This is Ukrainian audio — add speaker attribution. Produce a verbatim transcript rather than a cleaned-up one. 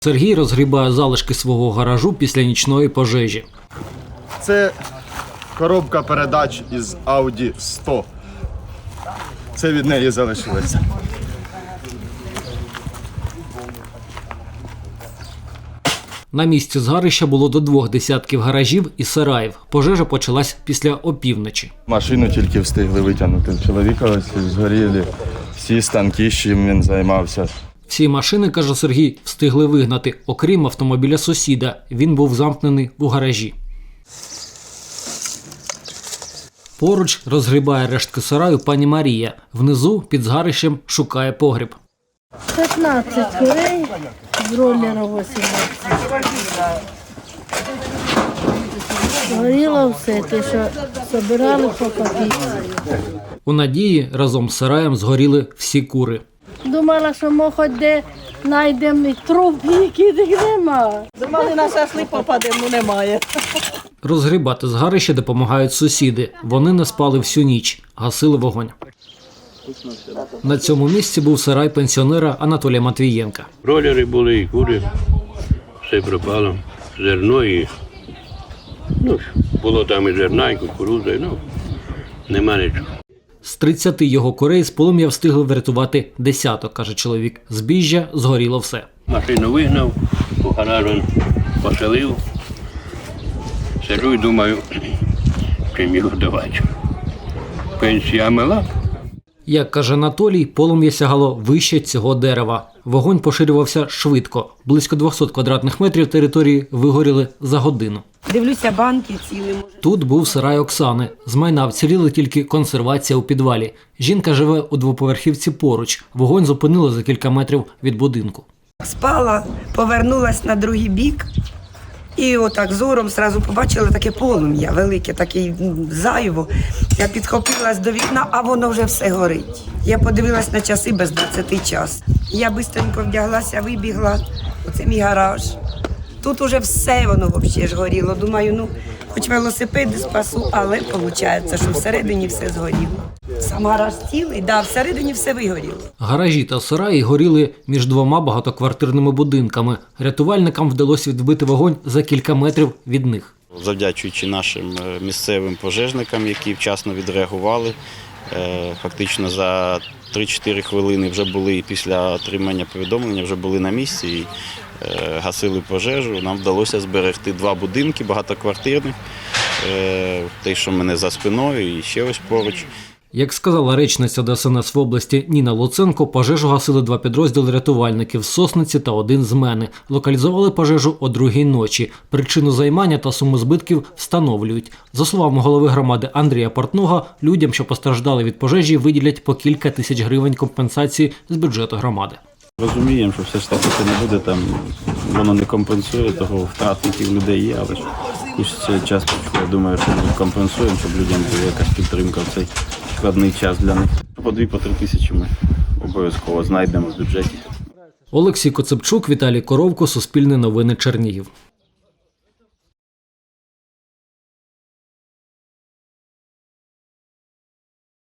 Speaker 1: Сергій розгрібає залишки свого гаражу після нічної пожежі.
Speaker 2: Це коробка передач із Ауді сто. Це від неї залишилося.
Speaker 1: На місці згарища було до двох десятків гаражів і сараїв. Пожежа почалась після опівночі.
Speaker 2: Машину тільки встигли витягнути. Чоловіка ось згоріли всі станки, з чим він займався.
Speaker 1: Всі машини, каже Сергій, встигли вигнати, окрім автомобіля сусіда. Він був замкнений у гаражі. Поруч розгрібає рештки сараю пані Марія. Внизу під згарищем шукає погріб.
Speaker 3: п'ятнадцять курей, бройлера вісімнадцять. Горіло все, те, що збирали по копійці.
Speaker 1: У Надії разом з сараєм згоріли всі кури.
Speaker 3: Думала, що ми хоч де знайдемо труп, яких нема.
Speaker 4: Думали, на шашлик попадемо, немає.
Speaker 1: Розгрібати згарище допомагають сусіди. Вони не спали всю ніч, гасили вогонь. На цьому місці був сарай пенсіонера Анатолія Матвієнка.
Speaker 5: Бройлери були і кури, все пропало, зерно і, ну, було там і зерна, і кукурудза, ну, нема нічого.
Speaker 1: З тридцяти його курей з полум'я встигли врятувати десяток, каже чоловік. Збіжжя згоріло все.
Speaker 5: Машину вигнав, у гараж поселив, сиджу і думаю, чим його давати. Пенсія мала.
Speaker 1: Як каже Анатолій, полум'я сягало вище цього дерева. Вогонь поширювався швидко. Близько двохсот квадратних метрів території вигоріли за годину.
Speaker 4: Дивлюся, банки ціли.
Speaker 1: Тут був сарай Оксани. З майна вціліли тільки консервація у підвалі. Жінка живе у двоповерхівці поруч. Вогонь зупинили за кілька метрів від будинку.
Speaker 6: Спала, повернулась на другий бік і отак зором зразу побачила таке полум'я велике, таке зайво. Я підхопилась до вікна, а воно вже все горить. Я подивилась на часи без двадцяти час. Я швидко вдяглася, вибігла. Оце мій гараж. Тут уже все воно взагалі ж горіло. Думаю, ну, хоч велосипеди спасу, але виходить, що всередині все згоріло. Сам гараж цілий, да, всередині все вигоріло.
Speaker 1: Гаражі та сараї горіли між двома багатоквартирними будинками. Рятувальникам вдалося відбити вогонь за кілька метрів від них.
Speaker 7: Завдячуючи нашим місцевим пожежникам, які вчасно відреагували, фактично за три-чотири хвилини вже були після отримання повідомлення, вже були на місці і гасили пожежу. Нам вдалося зберегти два будинки багатоквартирних, те, що в мене за спиною і ще ось поруч.
Speaker 1: Як сказала речниця Де Ес Ен Ес в області Ніна Луценко, пожежу гасили два підрозділи рятувальників з Сосниці та один з Мени. Локалізували пожежу о другій ночі. Причину займання та суму збитків встановлюють. За словами голови громади Андрія Портнога, людям, що постраждали від пожежі, виділять по кілька тисяч гривень компенсації з бюджету громади.
Speaker 8: Розуміємо, що все ж таки це не буде, там, воно не компенсує того втрат, які в людей є, але ж хочеться час, я думаю, що ми компенсуємо, щоб людям була якась підтримка в цей складний час для них. По дві, по три тисячі ми обов'язково знайдемо в бюджеті.
Speaker 1: Олексій Коцепчук, Віталій Коровко, Суспільне новини, Чернігів.